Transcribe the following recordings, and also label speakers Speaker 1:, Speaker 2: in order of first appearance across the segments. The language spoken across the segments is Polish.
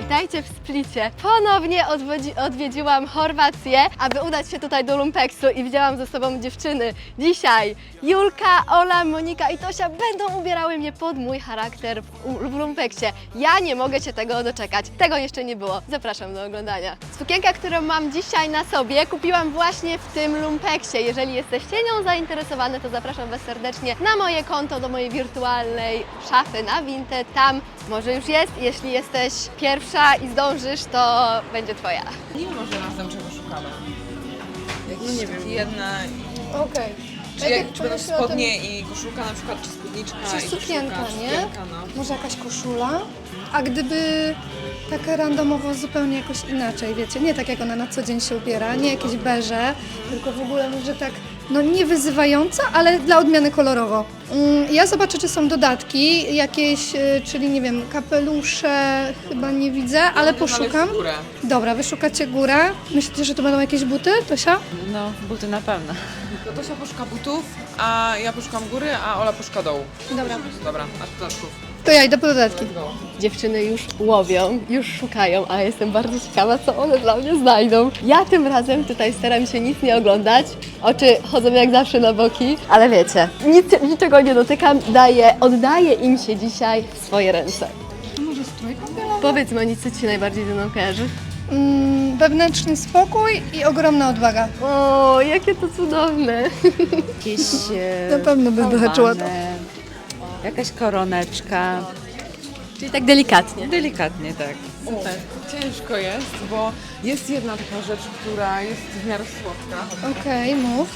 Speaker 1: Witajcie w Splicie. Ponownie odwiedziłam Chorwację, aby udać się tutaj do Lumpeksu i widziałam ze sobą dziewczyny. Dzisiaj Julka, Ola, Monika i Tosia będą ubierały mnie pod mój charakter w Lumpeksie. Ja nie mogę się tego doczekać. Tego jeszcze nie było. Zapraszam do oglądania. Sukienkę, którą mam dzisiaj na sobie, kupiłam właśnie w tym Lumpeksie. Jeżeli jesteście nią zainteresowane, to zapraszam Was serdecznie na moje konto, do mojej wirtualnej szafy na Vinted. Tam może już jest. Jeśli jesteś pierwsza i zdążysz, to będzie Twoja.
Speaker 2: Nie może razem czego szukamy. Jakieś
Speaker 3: nie wiem.
Speaker 2: jedna...
Speaker 3: Okej.
Speaker 2: Czy będą spodnie i koszulka na przykład, czy spódniczka
Speaker 3: Czy
Speaker 2: i
Speaker 3: sukienka,
Speaker 2: koszulka,
Speaker 3: nie?
Speaker 2: Sukienka, no.
Speaker 3: Może jakaś koszula? A gdyby tak randomowo zupełnie jakoś inaczej, wiecie, nie tak jak ona na co dzień się ubiera, nie jakieś beże, tylko w ogóle może tak, no nie wyzywająca, ale dla odmiany kolorowo. Ja zobaczę, czy są dodatki jakieś, czyli nie wiem, kapelusze, chyba nie widzę, ale poszukam.
Speaker 2: Górę.
Speaker 3: Dobra, wyszukacie górę. Myślicie, że to będą jakieś buty, Tosia?
Speaker 4: No, buty na pewno.
Speaker 2: To Tosia poszuka butów, a ja poszukam góry, a Ola poszuka dołu.
Speaker 3: Dobra.
Speaker 2: Dobra, a dodatków.
Speaker 3: To ja idę po dodatki.
Speaker 1: Dziewczyny już łowią, już szukają, a jestem bardzo ciekawa, co one dla mnie znajdą. Ja tym razem tutaj staram się nic nie oglądać. Oczy chodzą jak zawsze na boki, ale wiecie, niczego nie dotykam, oddaję im się dzisiaj w swoje ręce.
Speaker 3: Może strój kąpielowy?
Speaker 1: Powiedz Monicy, co Ci najbardziej ze mną kojarzy?
Speaker 3: Wewnętrzny spokój i ogromna odwaga.
Speaker 1: O, jakie to cudowne!
Speaker 4: Jakieś
Speaker 3: Na pewno będę haczyła to.
Speaker 4: jakaś koroneczka.
Speaker 1: Czyli tak delikatnie.
Speaker 4: Delikatnie, tak.
Speaker 2: Super. Ciężko jest, bo jest jedna taka rzecz, która jest w miarę słodka.
Speaker 3: Okej, mów.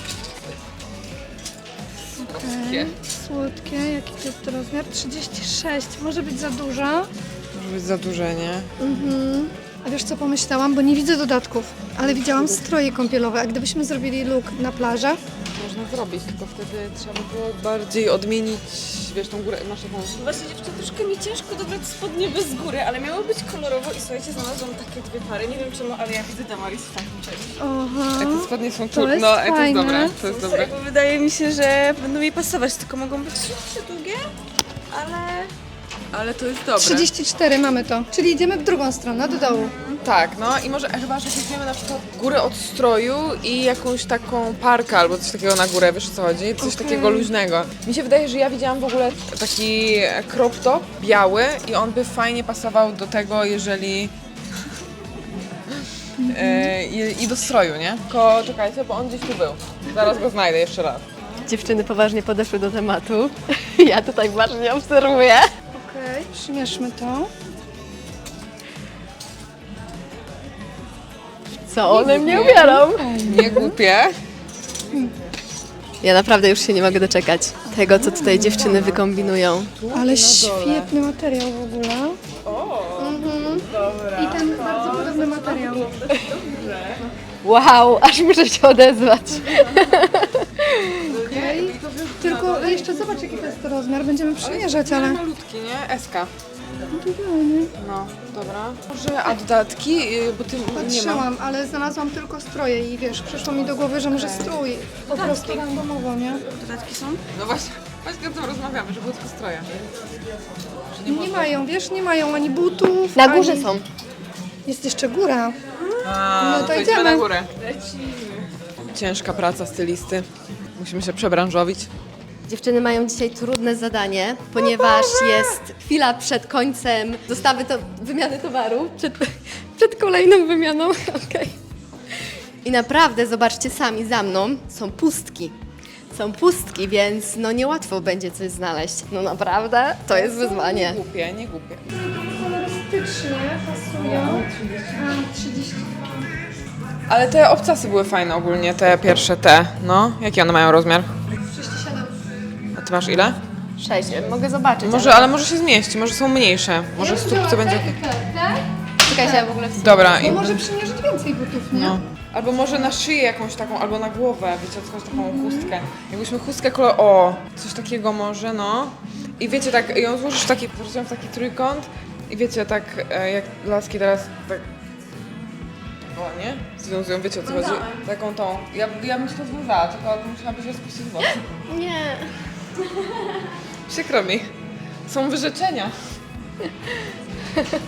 Speaker 2: Słodkie.
Speaker 3: Słodkie, jaki to jest rozmiar? 36, może być za duża.
Speaker 2: Może być za duże, nie?
Speaker 3: A wiesz co pomyślałam, bo nie widzę dodatków, ale widziałam stroje kąpielowe, a gdybyśmy zrobili look na plażę,
Speaker 2: Można zrobić, tylko wtedy trzeba by było bardziej odmienić, wiesz, tą górę, masz taką...
Speaker 5: Właśnie dziewczyny, troszkę mi ciężko dobrać spodnie bez góry, ale miało być kolorowo i słuchajcie, znalazłam takie dwie pary. Nie wiem czemu, ale ja widzę Damaris w takim czymś.
Speaker 3: oha,
Speaker 2: Jak te spodnie są
Speaker 3: To jest
Speaker 2: no, to jest
Speaker 3: fajne.
Speaker 2: dobre, to jest dobre.
Speaker 5: Bo wydaje mi się, że będą mi pasować, tylko mogą być szybsze, długie, ale...
Speaker 2: Ale to jest dobre.
Speaker 3: 34 mamy to, czyli idziemy w drugą stronę, do dołu.
Speaker 2: Tak, no i może chyba, że weźmiemy na przykład górę od stroju i jakąś taką parkę albo coś takiego na górę, wiesz o co chodzi? Coś takiego luźnego. Mi się wydaje, że ja widziałam w ogóle taki crop top biały i on by fajnie pasował do tego, jeżeli... I do stroju, nie? Tylko czekajcie, bo on gdzieś tu był. Zaraz go znajdę jeszcze raz.
Speaker 1: Dziewczyny poważnie podeszły do tematu. Ja tutaj uważnie obserwuję.
Speaker 3: Okej, przymierzmy to.
Speaker 1: Co one mnie ubiorą?
Speaker 2: Nie głupie.
Speaker 1: Ja naprawdę już się nie mogę doczekać tego, co tutaj dziewczyny wykombinują.
Speaker 3: Ale świetny materiał w ogóle. I ten bardzo podobny materiał.
Speaker 1: Wow, aż muszę się odezwać.
Speaker 3: Okej. Tylko jeszcze zobacz, jaki to jest rozmiar, będziemy przymierzać, ale...
Speaker 2: Malutki, nie? SK. No, dobra. Może, a dodatki? Bo ty nie ma.
Speaker 3: Patrzyłam, ale znalazłam tylko stroje i wiesz, przyszło mi do głowy, że może strój. Po prostu randomowo, nie?
Speaker 5: Dodatki są?
Speaker 2: No właśnie o tym rozmawiamy, że były tylko stroje.
Speaker 3: Nie mają, wiesz, nie mają ani butów,
Speaker 1: Na górze
Speaker 3: ani...
Speaker 1: są.
Speaker 3: Jest jeszcze góra.
Speaker 2: A,
Speaker 3: No to
Speaker 2: idziemy
Speaker 3: idziemy.
Speaker 2: na górę. Ciężka praca stylisty. Musimy się przebranżowić.
Speaker 1: Dziewczyny mają dzisiaj trudne zadanie, ponieważ jest chwila przed końcem wymiany towaru, przed kolejną wymianą. Okej. I naprawdę, zobaczcie sami za mną, są pustki. Są pustki, więc no niełatwo będzie coś znaleźć. No naprawdę, to jest wyzwanie.
Speaker 2: Nie głupie, nie głupie.
Speaker 3: Kolorystycznie pasują. A, 30.
Speaker 2: Ale te obcasy były fajne ogólnie, te pierwsze te. No, jaki one mają rozmiar?
Speaker 3: 37.
Speaker 2: A ty masz ile?
Speaker 1: 6, mogę zobaczyć.
Speaker 2: Może, ale może się zmieści, może są mniejsze. Może stópce będzie...
Speaker 1: Czekajcie, ja w ogóle...
Speaker 2: Dobra,
Speaker 3: Bo
Speaker 2: i...
Speaker 3: może przymierzyć więcej butów, nie?
Speaker 2: No. Albo może na szyję jakąś taką, albo na głowę, wiecie, jakąś taką chustkę. Jakbyśmy chustkę o, coś takiego może, no. I wiecie, tak, ją złożysz w taki, w taki trójkąt i wiecie, tak jak laski teraz, tak... O, nie? Związują, wiecie o co chodzi? Taką tą. Ja bym się to związała, tylko musiałabyś rozpuścić włosy.
Speaker 1: Nie.
Speaker 2: Przykro mi. Są wyrzeczenia.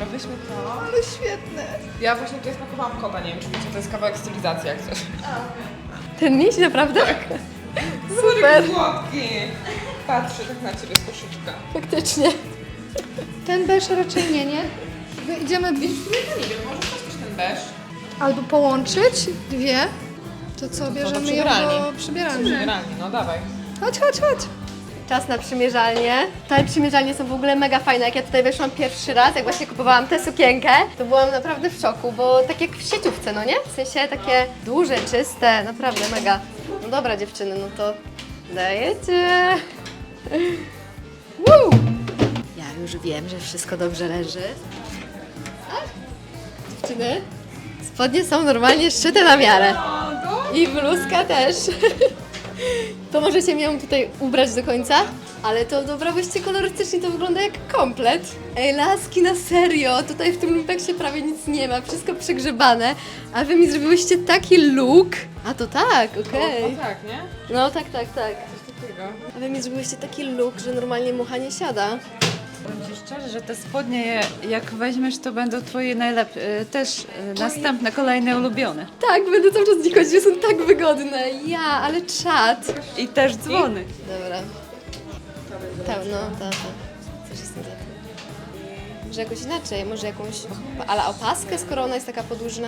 Speaker 2: Dobra, weźmy to.
Speaker 3: Ale świetne.
Speaker 2: Ja właśnie tutaj spakowałam kota, nie wiem czy wiecie, to jest kawałek stylizacji jak coś.
Speaker 1: Ten miś naprawdę?
Speaker 2: Super słodki. Patrzy tak na ciebie z koszyczka.
Speaker 1: Faktycznie.
Speaker 3: Ten beż raczej nie? Idziemy
Speaker 2: Ja nie wiem, może chcesz też ten beż?
Speaker 3: albo połączyć dwie. To co, bierzemy ją
Speaker 2: przybieralni.
Speaker 3: do przybieralni.
Speaker 2: Przybieralni, no dawaj.
Speaker 3: Chodź, chodź, chodź.
Speaker 1: Czas na przymierzalnię. Te przymierzalnie są w ogóle mega fajne. Jak ja tutaj weszłam pierwszy raz, jak właśnie kupowałam tę sukienkę, to byłam naprawdę w szoku, bo tak jak w sieciówce, no nie? W sensie takie duże, czyste, naprawdę mega. No dobra dziewczyny, no to dajecie. Woo! Ja już wiem, że wszystko dobrze leży. Tak? Dziewczyny, spodnie są normalnie szyte na miarę. I bluzka też. To możecie mi ją tutaj ubrać do końca, ale to dobrałyście kolorystycznie, to wygląda jak komplet. Ej, laski, na serio, tutaj w tym lumpeksie prawie nic nie ma, wszystko przegrzebane, a wy mi zrobiłyście taki look. A to tak, okej.
Speaker 2: No tak, nie?
Speaker 1: No tak, tak, tak.
Speaker 2: Coś takiego.
Speaker 1: A wy mi zrobiłyście taki look, że normalnie mucha nie siada.
Speaker 4: Powiem Ci szczerze, że te spodnie, jak weźmiesz, to będą Twoje najlepsze, też następne, kolejne ulubione.
Speaker 1: Tak, będę cały czas z nich chodzić, są tak wygodne. Ja, ale czad.
Speaker 4: I też dzwony.
Speaker 1: Dobra. No, tak. Coś jest nie tak. Może jakoś inaczej, może jakąś ale opaskę, skoro ona jest taka podłużna.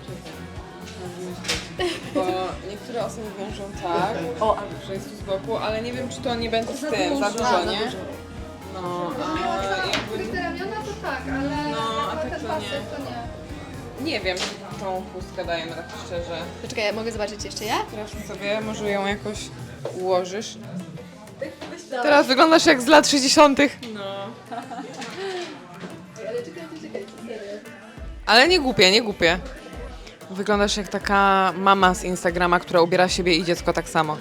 Speaker 2: Bo niektóre osoby wiążą tak, że jest tu z boku, ale nie wiem czy to nie będzie z tym, za dużo, nie? No, a jakby...
Speaker 3: Te ramiona to tak, ale
Speaker 2: No, a tak
Speaker 3: ten
Speaker 2: to
Speaker 3: pasek
Speaker 2: nie.
Speaker 3: to nie.
Speaker 2: Nie wiem, czy tą chustkę dajemy tak szczerze.
Speaker 1: Poczekaj, ja mogę zobaczyć jeszcze ja?
Speaker 2: Teraz sobie może ją jakoś ułożysz. Teraz wyglądasz jak z lat 60. No. Ale nie głupie, nie głupie. Wyglądasz jak taka mama z Instagrama, która ubiera siebie i dziecko tak samo.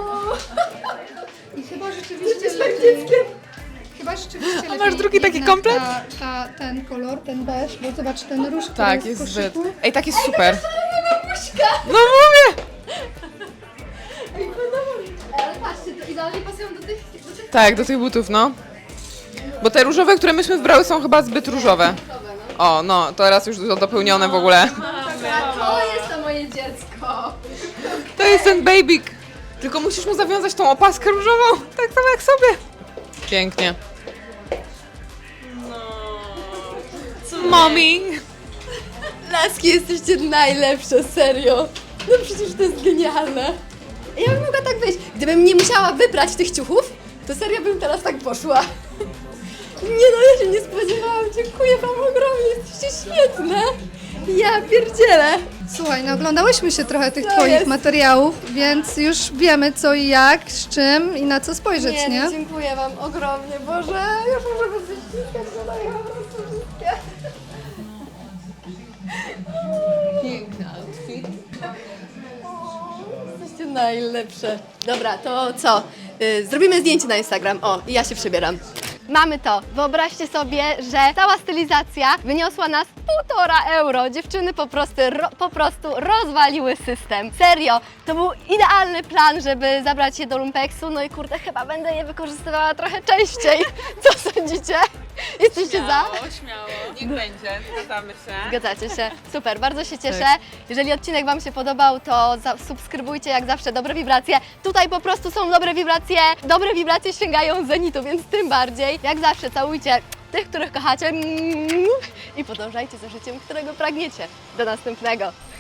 Speaker 3: I chyba rzeczywiście lepiej... Chyba rzeczywiście
Speaker 2: masz
Speaker 3: lepiej
Speaker 2: drugi taki
Speaker 3: jednak
Speaker 2: komplet?
Speaker 3: Ten kolor, ten beż, bo zobacz ten róż, który
Speaker 2: Tak,
Speaker 3: jest
Speaker 2: jest
Speaker 3: w koszyku.
Speaker 2: zbyt. Ej, tak jest super. No mówię!
Speaker 1: Ale patrzcie, to idealnie pasują do tych...
Speaker 2: Tak, do tych butów, no. Bo te różowe, które myśmy wybrały, są chyba zbyt różowe. O, no, teraz już dopełnione w ogóle.
Speaker 1: To jest to moje dziecko.
Speaker 2: To jest ten babyk. Tylko musisz mu zawiązać tą opaskę różową, tak samo jak sobie. Pięknie. Mommy.
Speaker 1: Laski, jesteście najlepsze, serio. No przecież to jest genialne. Ja bym mogła tak wyjść. Gdybym nie musiała wybrać tych ciuchów, to serio bym teraz tak poszła. Nie no, ja się nie spodziewałam. Dziękuję wam ogromnie, jesteście świetne. Ja pierdzielę.
Speaker 3: Słuchaj, no oglądałyśmy się trochę tych
Speaker 1: To
Speaker 3: twoich
Speaker 1: jest.
Speaker 3: materiałów, więc już wiemy co i jak, z czym i na co spojrzeć, nie?
Speaker 1: No, dziękuję wam ogromnie, Boże. Już muszę wyściskać, no ja po prostu wszystkie.
Speaker 2: Piękny outfit.
Speaker 1: Jesteście najlepsze. Dobra, to co? Zrobimy zdjęcie na Instagram. O, i ja się przebieram. Mamy to. Wyobraźcie sobie, że cała stylizacja wyniosła nas 1,5 euro. Dziewczyny po prostu rozwaliły system. Serio, to był idealny plan, żeby zabrać je do lumpeksu. No i kurde, chyba będę je wykorzystywała trochę częściej. Co sądzicie? Jesteście za?
Speaker 2: Śmiało. Niech będzie, zgadzamy się.
Speaker 1: Zgadzacie się. Super, bardzo się cieszę. Jeżeli odcinek wam się podobał, to subskrybujcie jak zawsze Dobre Wibracje. Tutaj po prostu są dobre wibracje. Dobre wibracje sięgają zenitu, więc tym bardziej. Jak zawsze całujcie tych, których kochacie i podążajcie za życiem, którego pragniecie. Do następnego.